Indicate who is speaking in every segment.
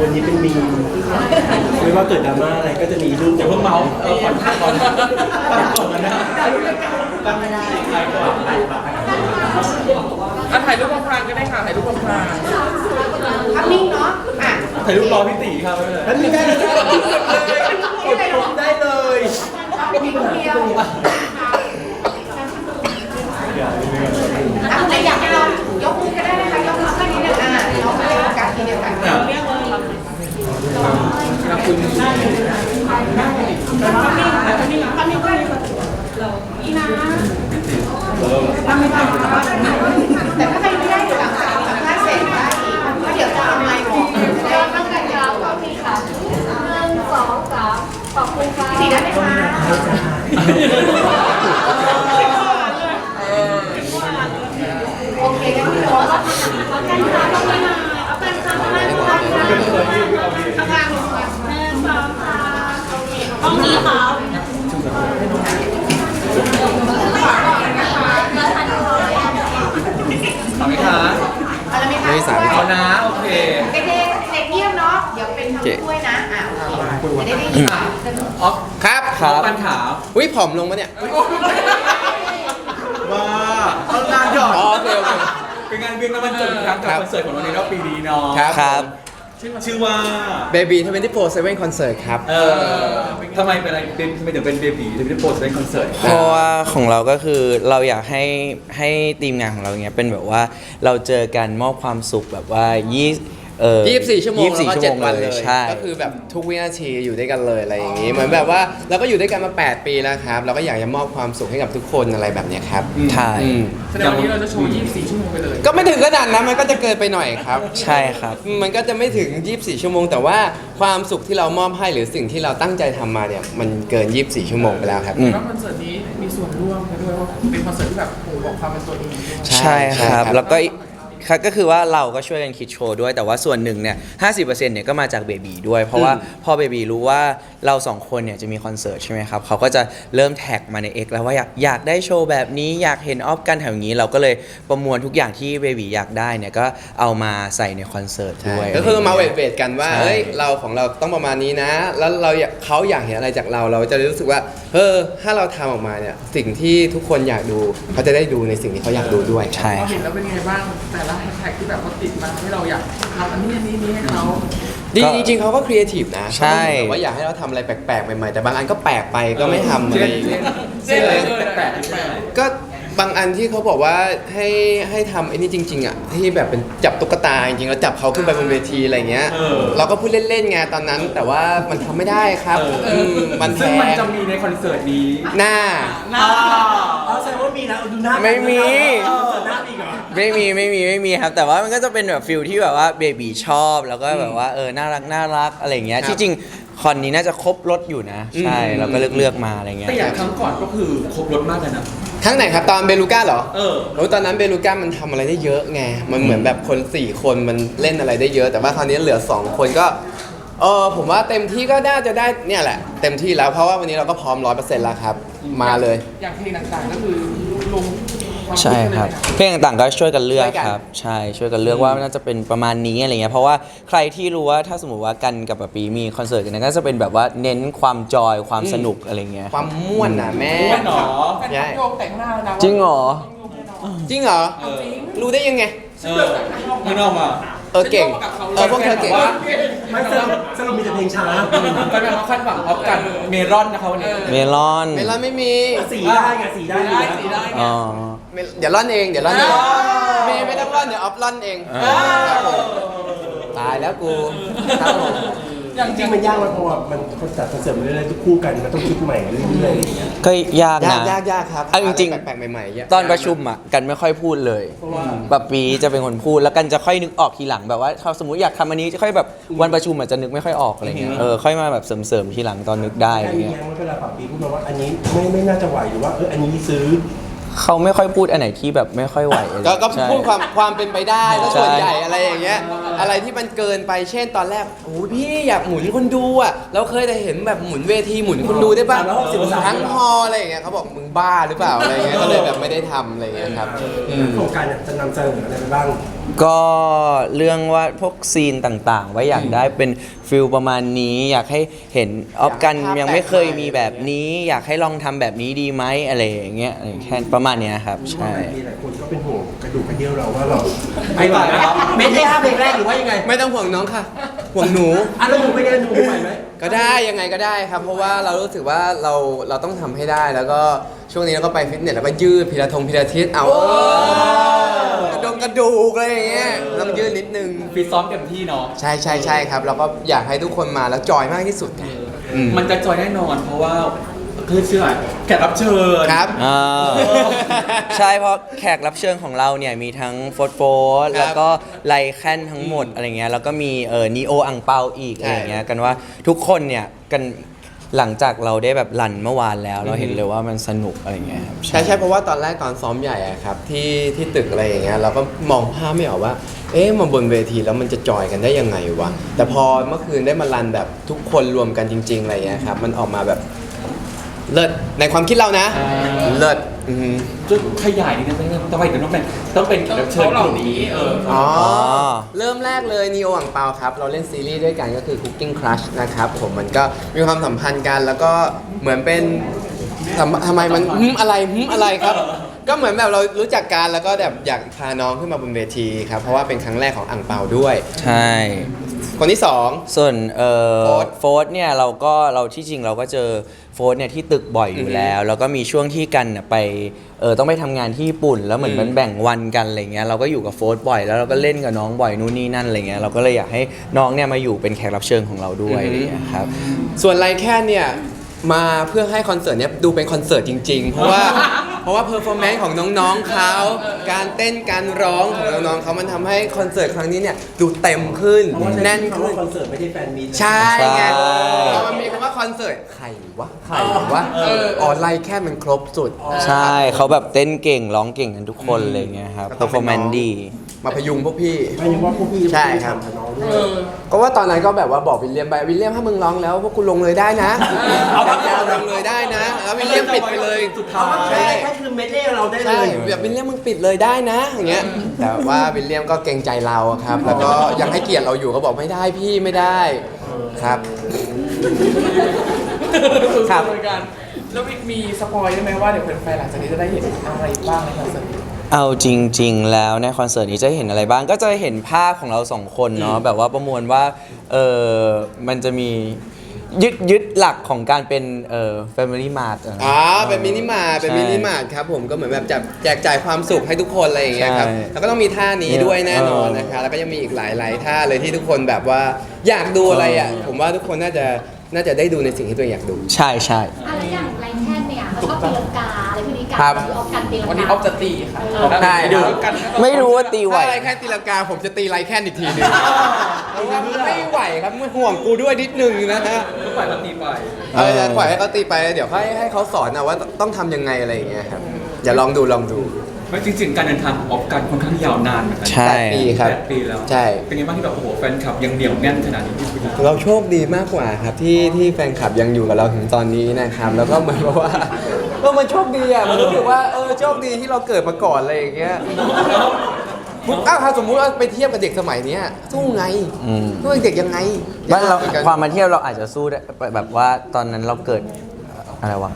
Speaker 1: วันนี้เป็นมีมไม่ว่าเกิดดราม่าอะไรก็จะมีรูปอย่าเพิ่งเมาส์ก่อนก่อนกันนะตั้งไม่ได้ใครก่อน
Speaker 2: ถ่ายรูปพลางๆก็ได้ค่ะถ่ายรูปพลาง
Speaker 3: ภาพนิ่งเนาะ
Speaker 1: ถ่ายรูปรอพี่ตีครับไม่เป็นไรได้เลยกดได้เลย
Speaker 3: นิ่งเดียวอยากให้เรายกมือก็ได้นะคะยกมือแค่นี้เนี่ยเราไม่ได้โฟกัสทีเดียวกัน
Speaker 2: คุณ
Speaker 3: แต่ถ้าใครไม่ได้เดี๋ยวหลังจากสัมภาษณ์เสร็จได้อีกเพราะเดี๋ยวจะเอาไมค์บอกจะได้ตั้งใจยาวก็มีค่ะ1 2 3ขอบคุณค่ะสีได้ไหมคะโอเคงั้นพี่โน้ตเอากันค่ะต้องไม่มาเอากันค่ะไม่มาค่ะข้างล่างลงมา1 2 3ห้องนี้ค่ะ
Speaker 2: ทำไหมคะ
Speaker 3: อะไรไหมคะ
Speaker 4: ไม่สาม
Speaker 2: เอานะโอเค
Speaker 3: เด็กเงียบเนาะเดี๋ยวเป็นทำถ้วยนะโอเคจะได้ยิน
Speaker 2: อ๋อ
Speaker 4: ครับ
Speaker 2: ปัญหา
Speaker 4: อุ้ยผอมลงปะเนี่ย
Speaker 2: ว้าเอางานหยอด
Speaker 4: โอเค
Speaker 2: เป็นงานเวียนน้ำมันจนครั้งกับคอนเสิร์ตของเราในรอบปีนี้เนาะ
Speaker 4: ครับ
Speaker 2: ชื่อว่า
Speaker 4: Baby 24/7 Concert ครับ
Speaker 2: ทำไมเป็นอะไรทำไมถึงเป็น Baby 24/7 Concert
Speaker 4: เพราะว่าของเราก็คือเราอยากให้ทีมงานของเราเนี้ยเป็นแบบว่าเราเจอกันมอบความสุขแบบว่า24 ชั่วโมงแล้วก็7 วันเลยใช่ก็คือแบบทุกวินาทีอยู่ด้วยกันเลยอะไรอย่างงี้เหมือนแบบว่าเราก็อยู่ด้วยกันมา8 ปีแล้วครับเราก็อยากจะมอบความสุขให้กับทุกคนอะไรแบบนี้ครับใช่
Speaker 2: แสดงวันนี้เราจะโชว์24 ชั่วโมงไปเลย
Speaker 4: ก็ไม่ถึงขนาดนั้นมันก็จะเกินไปหน่อยครับใช่ครับมันก็จะไม่ถึง24 ชั่วโมงแต่ว่าความสุขที่เรามอบให้หรือสิ่งที่เราตั้งใจทำมาเนี่ยมันเกิน24 ชั่วโมงไปแล้วครับ
Speaker 2: แล้วคอนเสิร์ตนี้มีส่วนร่วมกันด้วยว่าเป็นคอนเสิร์ตที่แบบบอกความเป็นตัวเอง
Speaker 4: ใช่ครับแล้วก็ก็คือว่าเราก็ช่วยกันคิดโชว์ด้วยแต่ว่าส่วนหนึ่งเนี่ย 50% เนี่ยก็มาจากเบบีด้วยเพราะว่าพอเบบีรู้ว่าเรา2 คนเนี่ยจะมีคอนเสิร์ตใช่ไหมครับเขาก็จะเริ่มแท็กมาใน X แล้วว่าอยากได้โชว์แบบนี้อยากเห็นออฟกันแถวนี้เราก็เลยประมวลทุกอย่างที่เบบีอยากได้เนี่ยก็เอามาใส่ในคอนเสิร์ตด้วยก็คือมาเวทกันว่าเฮ้ยเราของเราต้องประมาณนี้นะแล้วเขาอยากเห็นอะไรจากเราจะรู้สึกว่าถ้าเราทำออกมาเนี่ยสิ่งที่ทุกคนอยากดูเขาจะได้ดูในสิ่งที่เขาอยากดูด้วยใช่
Speaker 2: เห็นแล้วเป็นไงบ้างแต่ละแฮชแท็กที่แบบเขาติดมาให้เราอยากทำอันนี้ให้เขา
Speaker 4: จริงๆเขาก็ครีเอทีฟนะใช่แต่ว่าอยากให้เราทำอะไรแปลกๆใหม่ๆแต่บางอันก็แปลกไปก็ไม่ทำอะไร
Speaker 2: แปลก
Speaker 4: ก็บางอันที่เขาบอกว่าให้ทำไอ้นี่จริงๆอ่ะที่แบบเป็นจับตุ๊กตาจริงๆแล้วจับเขาขึ้นไปบนเวทีอะไรเงี้ยเราก็พูดเล่นๆไงตอนนั้นแต่ว่ามันทำไม่ได้ครับมัน
Speaker 2: ซึ่งมันจะมีในคอนเสิร์ตนี้
Speaker 4: หน้า
Speaker 1: แสดงว่ามีนะดูหน้า
Speaker 4: ไม่มี
Speaker 1: หน้าอีกเหรอ
Speaker 4: ไม่มีครับแต่ว่ามันก็จะเป็นแบบฟิลที่แบบว่าเบบีชอบแล้วก็แบบว่าน่ารักอะไรเงี้ยที่จริงคอนนี้น่าจะครบรถอยู่นะใช่เราก็เลือกมาอะไรเงี้ย
Speaker 2: แต่อย่างครั้งก่อนก็คือครบรถมากเลยนะ
Speaker 4: ครั้งไหนครับตอนเบลูก้าเหรอตอนนั้นเบลูก้ามันทำอะไรได้เยอะไงมันเหมือนแบบคน4 คนมันเล่นอะไรได้เยอะแต่ว่าคราวนี้เหลือ2 คนก็ผมว่าเต็มที่ก็น่าจะได้เนี่ยแหละเต็มที่แล้วเพราะว่าวันนี้เราก็พร้อม 100% แล้วครับมาเลย
Speaker 2: อย่างเพลงต่างๆก็คือลง
Speaker 4: ใช่ครับเพลงต่างๆก็ช่วยกันเลือกครับใช่ช่วยกันเลือกว่าน่าจะเป็นประมาณนี้อะไรเงี้ยเพราะว่าใครที่รู้ว่าถ้าสมมติว่ากันกับปีมีคอนเสิร์ตกันก็จะเป็นแบบว่าเน้นความจอยความสนุกอะไรเงี้ยความม่วนนะแม่
Speaker 2: ม่วนหรอ
Speaker 4: ใช่
Speaker 2: แต่งหน้านะ
Speaker 4: จริงเหรอรู้ได้ยังไง
Speaker 2: ไม่นอกมา
Speaker 4: เก่งพวกเธอเก่ง
Speaker 1: ไม่สรุปมีแต่เพลงช้า
Speaker 2: ไปแบบว่าคาดหวังออฟกันเมลอนนะคะวันนี้
Speaker 4: เมลอนไม่มี
Speaker 1: สีได้ไงสีได้
Speaker 4: อ๋อเดี๋ยวร่อนเองเมย์ไม่ต้องร่อนเดี๋ยวออฟร่อนเองตายแล้วกูครับผม
Speaker 1: จริงมันยากเพราะว่ามันคนจัดคอนเสิร์ตมาเรื่อยๆทุกคู่กันมันต้องคิดใหม่เรื่อยๆ
Speaker 4: ก็ยากนะยากครับจริง
Speaker 1: แปลกๆใหม่
Speaker 4: ๆตอนประชุมอ่ะกันไม่ค่อยพูดเลยแบบปีจะเป็นคนพูดแล้วกันจะค่อยนึกออกทีหลังแบบว่าเขาสมมติอยากทำอันนี้จะค่อยแบบวันประชุมอาจจะนึกไม่ค่อยออกอะไรเงี้ยค่อยมาแบบเสริมทีหลังตอนนึกได้อะไรเงี้ย
Speaker 1: เวลาปีพูดมาว่าอันนี้ไม่น่าจะไหวหรือว่าอันนี้ซื้อ
Speaker 4: เขาไม่ค่อยพูดอันไหนที่แบบไม่ค่อยไหวก็พูดความเป็นไปได้แล้วส่วนใหญ่อะไรอย่างเงี้ยอะไรที่มันเกินไปเช่นตอนแรกโอ้พี่อยากหมุนคนดูอ่ะเราเคยแต่เห็นแบบหมุนเวทีหมุนคนดูได้ป่ะทั้งฮออะไรอย่างเงี้ยเขาบอกมึงบ้าหรือเปล่าอะไรเงี้ยก็เลยแบบไม่ได้ทำอะไรเงี้ยครับ
Speaker 1: โครงการจะนำเสนออะไรบ้าง
Speaker 4: ก็เรื่องว่าพวกซีนต่างๆ ว่าอยากได้เป็นฟิลประมาณนี้ อยากให้เห็นออฟกันยังไม่เคยมีแบบนี้ อยากให้ลองทำแบบนี้ดีไหมอะไรอย่างเงี้ยแค่ประมาณเนี้ยครับใช่
Speaker 5: มีหลายคนก็เป็นห่วงกระดูกกระเดี่ยวเราว่าเรา
Speaker 1: ไม่ไหวนะครับไม่ใช่5เพลงแรกหรือว่ายังไง
Speaker 6: ไม่ต้องห่วงน้องค่ะ ห่วงหนู
Speaker 1: อ่ะแล้วหนูไปเรียนหนูไหวไหม
Speaker 6: ก็ได้ยังไงก็ได้ครับ เพราะว่าเรารู้สึกว่าเราต้องทำให้ได้แล้วก็ช่วงนี้เราก็ไปฟิตเนสแล้วก็ยืดพิลาทิสเอากระดูกอะไรอย่างเงี้ยต้องยืดนิดนึง
Speaker 2: ฟิตซ้อมเต็มที่เนาะ
Speaker 6: ใช่ครับเราก็อยากให้ทุกคนมาแล้วจอยมากที่สุดไงอืม
Speaker 2: มันจะจอยแน่นอนเพราะว่าคือเชื่อแขกรับเชิญ
Speaker 6: ครับ
Speaker 4: อ่า ใช่เพราะแขกรับเชิญของเราเนี่ยมีทั้งโฟร์
Speaker 6: ครับ
Speaker 4: แล้วก็ไลแคนทั้งหมดอะไรเงี้ยแล้วก็มีนีโออังเปาอีก
Speaker 6: ใช่
Speaker 4: อะไรเงี้ยกันว่าทุกคนเนี่ยกันหลังจากเราได้แบบรันเมื่อวานแล้ว เราเห็นเลยว่ามันสนุกอะไรเงี้ยครับ
Speaker 6: ใช่เพราะว่าตอนแรกตอนซ้อมใหญ่อะครับที่ตึกอะไรอย่างเงี้ยเราก็มองภาพไม่ออกว่า เอ๊ะมาบนเวทีแล้วมันจะจอยกันได้ยังไงวะแต่พอเมื่อคืนได้มารันแบบทุกคนรวมกันจริงๆอะไรอย่างเงี้ยครับมันออกมาแบบเลิศในความคิดเรานะ เลิศอือหือ
Speaker 2: จุดขยายนิดนึงทำไมถึงต้องเป็นแขกรับเชิญกลุ่มนี้
Speaker 6: อ๋อ
Speaker 4: อ
Speaker 6: เริ่มแรกเลยนีโออ่างเปาครับ เราเล่นซีรีส์ด้วยกันก็คือ Cooking Crush นะครับผมมันก็มีความสัมพันธ์กันแล้วก็เหมือนเป็นทำไมมันอะไรครับ ก็เหมือนแบบเรารู้จักกันแล้วก็แบบอยากพาน้องขึ้นมาบนเวทีครับเพราะว่าเป็นครั้งแรกของอ่างเปาด้วย
Speaker 4: ใช่
Speaker 6: คนที่สอง
Speaker 4: ส่วน
Speaker 6: โฟร์ธ
Speaker 4: โฟร์เนี่ยเราที่จริงเราก็เจอโฟร์เนี่ยที่ตึกบ่อยอยู่แล้ว แล้วก็มีช่วงที่กันน่ะไปต้องไปทำงานที่ญี่ปุ่น แล้วเหมือนมันแบ่งวันกันอะไรเงี้ยเราก็อยู่กับโฟร์บ่อยแล้วเราก็เล่นกับน้องบ่อยนู่นนี่นั่นอะไรเงี้ยเราก็เลยอยากให้น้องเนี่ยมาอยู่เป็นแขกรับเชิญของเราด้วยอะไรเงี้ยครับ
Speaker 6: ส่วนไลแคนเนี่ยมาเพื่อให้คอนเสิร์ตเนี้ยดูเป็นคอนเสิร์ตจริงๆ เพราะว่าเพอร์ฟอร์แมนซ์ของน้องๆเขาการเต้นการร้องของน้องๆเขามันทำให้คอนเสิร์ตครั้งนี้เนี่ยดูเต็มขึ้นแน่นขึ้น
Speaker 1: คอนเสิร์ตไม่ได้แฟนมีต
Speaker 6: ใช่ไง
Speaker 4: ใช่
Speaker 6: พอมันมีคำว่าคอนเสิร์ตใครวะอ๋อไลแคนมันครบสุด
Speaker 4: ใช่เขาแบบเต้นเก่งร้องเก่งกันทุกคนเลยเงี้ยครับ
Speaker 6: ก็
Speaker 4: เพ
Speaker 6: ต้
Speaker 4: อ
Speaker 6: อง
Speaker 4: ร์
Speaker 6: เป็น
Speaker 4: ฟอร์แมน
Speaker 6: น้อง
Speaker 4: ซ์ดี
Speaker 6: มาพยุงพวกพี่
Speaker 5: ไม่ยังว่าพวกพี่
Speaker 6: ใช่ครับ
Speaker 5: กับน้องด้วย
Speaker 6: ก็ว่าตอนนั้นก็แบบว่าบอกวิลเลียมไปวิลเลียมถ้ามึงร้องแล้วพวกกูลงเลยได้นะเอาลงเลยได้นะแล้ววิลเลียมปิดไปเลยสุดท้าย
Speaker 1: ใช่แค่คือเมดเล่เราได้เล
Speaker 6: ใช่
Speaker 1: ย
Speaker 6: แบบวิลเลียมมึงปิดเลยได้นะอย่างเงี้ยแต่ว่าวิลเลียมก็เกรงใจเราอะครับ แล้วก็ยังให้เกียรติเราอยู่ก็บอกไม่ได้พี่ไม่ได้ครับ ครับ
Speaker 2: เหมือนกันแล้วมีสปอยได้ไหมว่าเดี๋ยวแฟนๆหลังจากนี้จะได้เห็นอะไรบ้างในคอนเสิร์ต
Speaker 4: เอาจริง ๆ แล้วในคอนเสิร์ตนี้จะเห็นอะไรบ้างก็จะเห็นภาพของเราสองคนเนาะแบบว่าประมวลว่ามันจะมียึดหลักของการเป็นFamily Mart
Speaker 6: เป็นมินิมาร์ทเป็น
Speaker 4: ใช่
Speaker 6: มินิมาร์ทครับผมก็เหมือนแบบจะแจกจ่ายความสุขให้ทุกคนอะไรอย่างเงี้ยครับ
Speaker 4: ใช่
Speaker 6: แล้วก็ต้องมีท่านี้ด้วยแน่นอนนะคะแล้วก็ยังมีอีกหลายๆท่าเลยที่ทุกคนแบบว่าอยากดูอะไรอ่ะผมว่าทุกคนน่าจะได้ดูในสิ่งที่ตัวเองอยากดู
Speaker 4: ใช่ใช่
Speaker 3: อะไรอย่างไรแค่เนี่ยชอบตีลังกาอะไรพวกนี้กัน
Speaker 6: ครับ
Speaker 3: ออกกันตีลังกา
Speaker 2: วันนี้ออฟจะตีค่ะ
Speaker 6: ใช่ครับ
Speaker 4: ไม่รู้ว่าตีไหว
Speaker 6: ถ้าไรแค่ตีลังกาผมจะตีไรแค่อีกทีหนึงเพราะว่าไม่ไหวครับมันห่วงกูด้วยนิดนึงนะฮะ
Speaker 2: ก็ปล่อยเขาตีไป
Speaker 6: จะปล่อยให้เขาตีไปเดี๋ยวให้เขาสอนนะว่าต้องทำยังไงอะไรอย่างเงี้ยครับอย่าลองดู
Speaker 2: ไม่จริงๆการเดินทางของออฟกันค่อนข้างยาวนานเหมือนกั
Speaker 4: ใช่
Speaker 6: 8 ปีครับ
Speaker 2: 8 ปีแล้ว
Speaker 6: ใช่
Speaker 2: เป็นไงบ้างที่แบบโอ้โหแฟนคลับยังเหนียวแน่นขนาดนี้ที่คุณ
Speaker 6: เราโชคดีมากกว่าครับที่แฟนคลับยังอยู่กับเราถึงตอนนี้นะครับแล้วก็เหมือนกับว่ามันโชคดีอ่ะมันรู้สึกว่าโชคดีที่เราเกิดมาก่อนอะไรอย่างเงี้ยถ้าสมมุติว่าไปเทียบกับเด็กสมัยเนี้ยสู้ไง
Speaker 4: อืม
Speaker 6: สู้เด็กยังไง
Speaker 4: บ้านเรา
Speaker 6: หมือนกัน
Speaker 4: ความมาเที่ยวเราอาจจะสู้ได้แบบว่าตอนนั้นเราเกิดอะไรวะ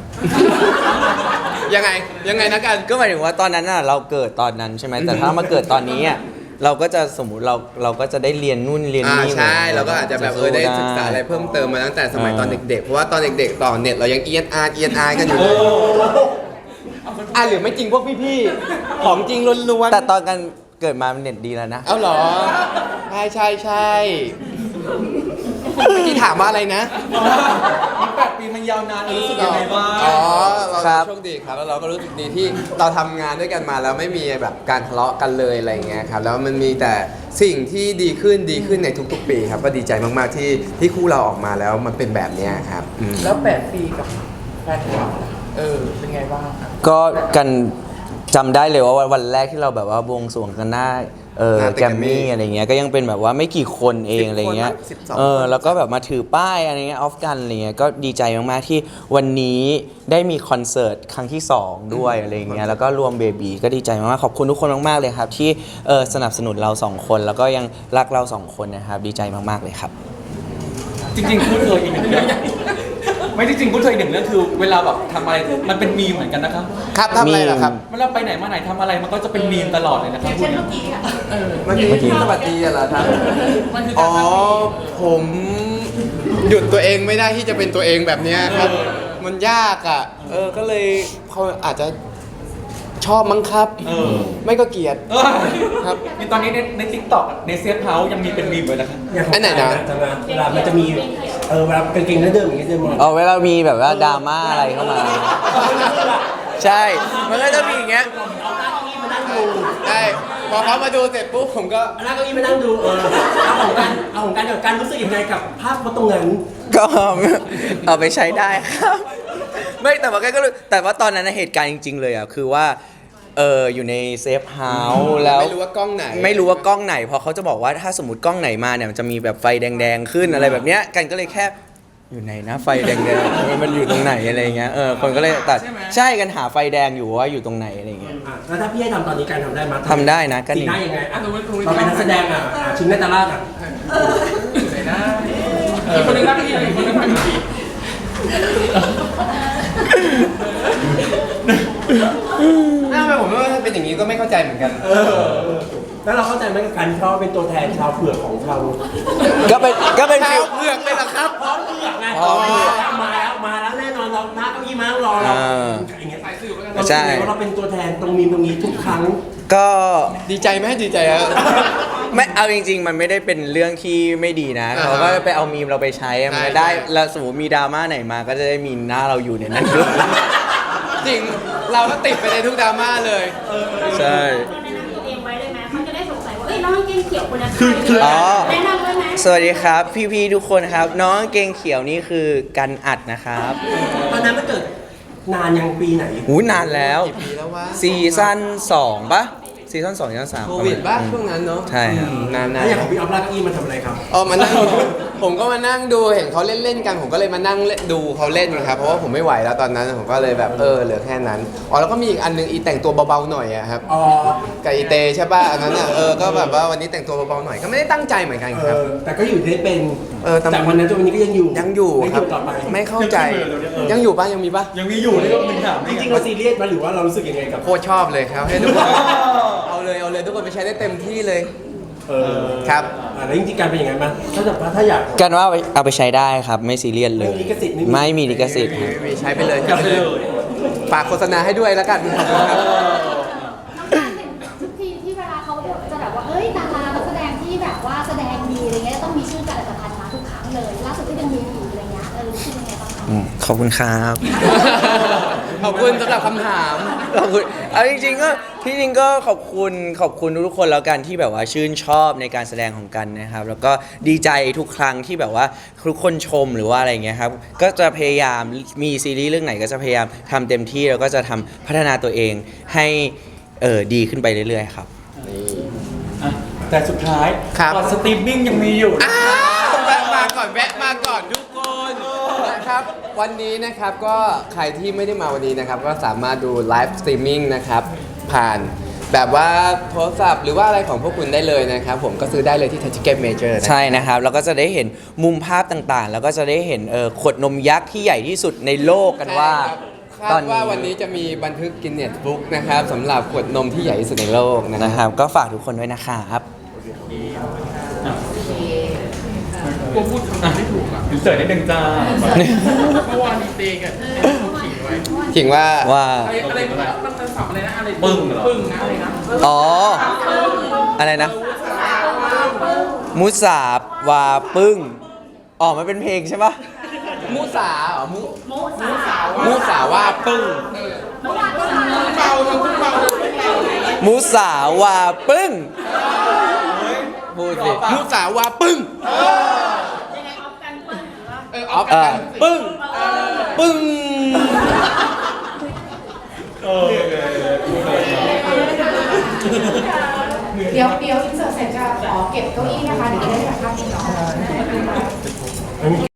Speaker 6: ยังไงนะกัน
Speaker 4: ก็หมายถึงว่าตอนนั้นน่ะเราเกิดตอนนั้นใช่ไหมแต่ถ้ามาเกิดตอนนี้อ่ะเราก็จะสมมุติเราก็จะได้เรียนนู่นเรียนนี่
Speaker 6: ใช่เราก็อาจจะแบบได้ศึกษาอะไรเพิ่มเติมมาตั้งแต่สมัยตอนเด็กๆเพราะว่าตอนเด็กๆต่อเน็ตเรายังเอียนอาร์กันอยู่เลยหรือไม่จริงพวกพี่ๆของจริงล้วนๆ
Speaker 4: แต่ตอนกันเกิดมาเน็ตดีแล้วนะ
Speaker 6: เอาเหรอใช่เมื่อกี้ถามว่าอะไรนะ
Speaker 2: 8 ปีมันยาวนานรู้สึกยังไงบ้าง
Speaker 6: อ๋อเรา
Speaker 4: ครับ
Speaker 6: โชคดีครับแล้วเราก็รู้สึกดีที่เราทำงานด้วยกันมาแล้วไม่มีแบบการทะเลาะกันเลยอะไรอย่างเงี้ยครับแล้วมันมีแต่สิ่งที่ดีขึ้นในทุกๆปีครับก็ดีใจมากๆที่คู่เราออกมาแล้วมันเป็นแบบเนี้ยครับอืม
Speaker 2: แล้ว 8 ปีกับแฟนคลับเป็นไงบ้างครับ
Speaker 4: ก็กันจำได้เลยว่าวันแรกที่เราแบบว่าบวงสรวงกันหน้าแกรมมี่อะไรเงี้ยก็ยังเป็นแบบว่าไม่กี่คนเองอะไรเงี้ย
Speaker 6: 12
Speaker 4: แล้วก็แบบมาถือป้ายอะไรเงี้ยออฟกันอะไรเงี้ยก็ดีใจมากๆที่วันนี้ได้มีคอนเสิร์ตครั้งที่ 2 ด้วยอะไรเงี้ยแล้วก็รวมเบบีก็ดีใจมากๆขอบคุณทุกคนมากๆเลยครับที่สนับสนุนเรา2คนแล้วก็ยังรักเรา2คนนะครับดีใจมากๆเลยครับ
Speaker 2: จริงๆพูดเลยอีกหนึ่งเรื่องไม่จริงๆพูดเลยอีกหนึ่งเรื่องคือเวลาแบบทำอะไรมันเป็นมีมเหมือนกันนะครับ
Speaker 6: ครับทำอะไรล่ะครับ
Speaker 2: เวลาไปไหนมาไหนทำอะไรมันก็จะเป็นมีมตลอดเลยนะครับคุณ
Speaker 6: เมื่อกี้สวัสดีเหรอครับ
Speaker 2: มันคือ
Speaker 6: อ๋
Speaker 2: กา
Speaker 6: อ
Speaker 2: ร
Speaker 6: ผมหยุดตัวเองไม่ได้ที่จะเป็นตัวเองแบบเนี้ยครับ มันยากอ่ะ ก็เลยเขาอาจจะชอบมั้งครับ ไม่ก็เกลียด ครับ
Speaker 2: มีตอนนี้ในทิกตอกในเซฟเฮาส์ยังมีเป็นมีมเลยนะครับ
Speaker 5: อย่างของ
Speaker 6: อันไหนนะ
Speaker 5: จะมาเวลามันจะมีเวลากางเกงเดิมอย่างเงี้ยจะมอง
Speaker 4: เวลามีแบบว่าดราม่าอะไรเข้ามา ใช่ มันก็จะมีอย่างเงี้ย
Speaker 6: ใช่พอเขามาดูเสร็จปุ๊บผมก็
Speaker 5: แล้วเก็อี้มานั่งดูเอาของการกับการรู้สึกยังไงกับภาพตรงนั้น
Speaker 4: ก็เอาไปใช้ได้ครับ ไม่แต่ว่าก็รู้แต่ว่าตอนนั้นนะเหตุการณ์จริง ๆ เลยอ่ะคือว่าอยู่ในเซฟเฮาส์แล้ว
Speaker 6: ไม่รู้ว่ากล้องไหน
Speaker 4: ไม่รู้ว่ากล้องไหนเพราะเขาจะบอกว่าถ้าสมมติกล้องไหนมาเนี่ยมันจะมีแบบไฟแดงๆขึ้นอะไรแบบเนี้ยกันก็เลยแค่อยู่ไหนนะไฟแดงๆมันอยู่ตรงไหนอะไรเงี้ยคนก็เลยตัดใช่กันหาไฟแดงอยู่ว่าอยู่ตรงไหนอะไรเงี้ย
Speaker 5: แล้วถ้าพี่ให้ทำตอนนี้การทำได้ไหม
Speaker 4: ทำได้นะก็
Speaker 5: สี
Speaker 4: ดี
Speaker 5: หน้ายังไงเราเป็นนักแสดงชิงนาตาลาด
Speaker 2: ไหนนะอีกคนนึงนั่งที่อีกคนนึงนั่งที่
Speaker 6: ทำไมผมว่าเป็นอย่างนี้ก็ไม่เข้าใจเหมือนกัน
Speaker 5: แล้วเราเข้าใจไหมกับการที่เขาเป็นตัวแทนชาวเผือกของเรา
Speaker 4: ก็เป็น
Speaker 6: ชา
Speaker 4: ฟิ
Speaker 6: ว
Speaker 4: ล
Speaker 6: เผือกเลยเหรอครับ
Speaker 5: พร้อมเผือกไงมาแล้วแน่นอนเราหน้าเก้าอี้มาเราอย่างเงี้ยเราเราเป็นตัวแทนตรงนี้ทุกครั้ง
Speaker 4: ก็
Speaker 6: ดีใจไหมดีใจอะ
Speaker 4: ไม่เอาจริง ๆ มันไม่ได้เป็นเรื่องที่ไม่ดีนะ
Speaker 6: อ่าฮะ
Speaker 4: เขาก็ไปเอามีมเราไปใช้มันก็
Speaker 6: ใช่
Speaker 4: ได้
Speaker 6: ใช่
Speaker 4: แล้วสมมติมีดราม่าไหนมาก็จะได้มีหน้าเราอยู่ในนั้นด้วย
Speaker 6: จริง เราก็ติดไปในทุกดราม่าเลย
Speaker 4: ใช่
Speaker 3: เราแนะนำตัวเองไว้เลยไหมเขาจะได้สงสัยว่าเอ้ยน้องกางเกงเขียวคนนั้นใคร
Speaker 4: อ๋อ
Speaker 3: แนะนำไว้ไหม
Speaker 4: สวัสดีครับ พี่ๆทุกคนครับ น้องกางเกงเขียวนี่คือกันอัดนะครับ
Speaker 5: ตอนนั้นมันเกิดนานยังปีไหน
Speaker 4: หูนานแล้ว
Speaker 6: กี่ปีแล้ววะ
Speaker 4: ซีซั่น2ปะซีซั่น2ซีซั่น3
Speaker 6: โควิดบ้างช่วงนั้นเนาะ
Speaker 4: ใช่ครับ
Speaker 6: นาน
Speaker 5: แล้วอย่างของพี่ออฟลากเก้าอี้มาทำอะไรครับ
Speaker 6: มานั่ง ผมก็มานั่งดูเห็นเขาเล่นๆกันผมก็เลยมานั่งดูเขาเล่นครับเพราะว่าผมไม่ไหวแล้วตอนนั้นผมก็เลยแบบเหลือแค่นั้นแล้วก็มีอีกอันนึงอีแต่งตัวเบาๆหน่อยอะครับ กับอีเตใช่ป่ะอันนั้นอ่ะก็แบบว่าวันนี้แต่งตัวเบาๆหน่อยก็ไม่ได้ตั้งใจเหมือนกันครับ
Speaker 5: แต่ก็อยู่ได้เป็น
Speaker 6: แต่
Speaker 5: จากวันนั้นจนวันนี้ก็ยังอยู่
Speaker 6: ยังอยู่ครับ
Speaker 5: ต่อไป
Speaker 6: ไม่เข้าใจยังอยู่ป่ะยังมีป่ะ
Speaker 2: ยังมีอยู่นี่ก็เป็นถาม
Speaker 5: จริงๆเราซีเรียสมาหรือว่าเรารู้สึกยังไงกับ
Speaker 6: โคตรชอบเลยครับให้ทุกคนเอาเลยทุกคนไปใช้ได้เต็มที่เลย ครับ
Speaker 5: แล้วจริงๆการเป็นยังไงบ้างถ้าอยาก
Speaker 4: กันว่าเอาไปใช้ได้ครับไม่ซีเรียสเลย
Speaker 5: ไม่มีลิขสิทธิ์
Speaker 4: ไม่มีลิขสิทธิ์ครับ
Speaker 6: มีใช้ไปเลยใช้ไปเลยฝากโฆษณาให้ด้วยแล้วกันขอบคุณครับ
Speaker 3: น้องการเห็นทุกทีที่เวลาเขาจะแบบว่าเอ้ยดารานักแสดงที่แบบว่าแสดงดีอะไรเงี้ยต้องมีชื่อการอัตภัณฑ์มาทุกครั้งเลยล่าสุดที่ยังมีอยู่อะไรเงี้ยรู้สึกยังไงบ้างคะ
Speaker 4: ขอบคุณครับ
Speaker 6: ขอบคุณสำหรับคำถาม
Speaker 4: ขอบคุณเอาจริงๆก็ที่จริงก็ขอบคุณทุกๆคนแล้วกันที่แบบว่าชื่นชอบในการแสดงของกันนะครับ แล้วก็ดีใจทุกครั้งที่แบบว่าทุกคนชมหรือว่าอะไรเงี้ยครับก็จะพยายามมีซีรีส์เรื่องไหนก็จะพยายามทำเต็มที่แล้วก็จะทำพัฒนาตัวเองให้ดีขึ้นไปเรื่อยๆครับ
Speaker 2: แต่สุดท้าย
Speaker 6: ครับ
Speaker 2: ก่อนสตรีมมิ่งยังมีอยู่นะ
Speaker 6: แวะมาก่อนทุกคนนะครับ วันนี้นะครับก็ใครที่ไม่ได้มาวันนี้นะครับ ก็สามารถดูไลฟ์สตรีมมิ่งนะครับ ผ่านแบบว่าโทรศัพท์หรือว่าอะไรของพวกคุณได้เลยนะครับ ผมก็ซื้อได้เลยที่ Touch Ticket Major นะ
Speaker 4: ใช่นะครับแล้วก็จะได้เห็นมุมภาพต่างๆ แล้วก็จะได้เห็นขวดนมยักษ์ที่ใหญ่ที่สุดในโลกกันว่า
Speaker 6: คาดว่าวันนี้จะมีบันทึกกินเนสบุ๊กนะครับสำหรับขวดนมที่ใหญ่ที่สุดในโลกนะ
Speaker 4: นะ
Speaker 6: ค
Speaker 4: ครับ รับก็ฝากทุกคนด้วยนะครับ
Speaker 2: กลัวพูดคำไม่ถูกอ่ะถึงเสิร์ฟนิดนึงจ้าเมื่อวานมีเตงกันขิงไว้
Speaker 6: ถึงว่า
Speaker 4: ว่า
Speaker 2: อะไรมันสับอะไรนะอะไรปึ้งเหรอปึ้งนะอะไรนะ
Speaker 4: อ๋ออะไรนะมุสาบวาปึ้งอ๋อมันเป็นเพลงใช่ปะ
Speaker 6: มูสาเหรอมูสาว่าปึ้ง
Speaker 2: เบามันเบา
Speaker 4: มุสาวาปึ้งพูดสิ
Speaker 6: มูสาว่าปึ้ง
Speaker 3: ยังไงออฟกันเปิ้ลหรือว่า
Speaker 6: ออฟกันปึ้งปึ้ง
Speaker 2: โอเค
Speaker 3: เดี๋ยวอินเสิร์ตเสร็จจะขอเก็บเก้าอี้นะคะเดี๋ยวจะได้ถ่ายภาพนิ่งเนาะ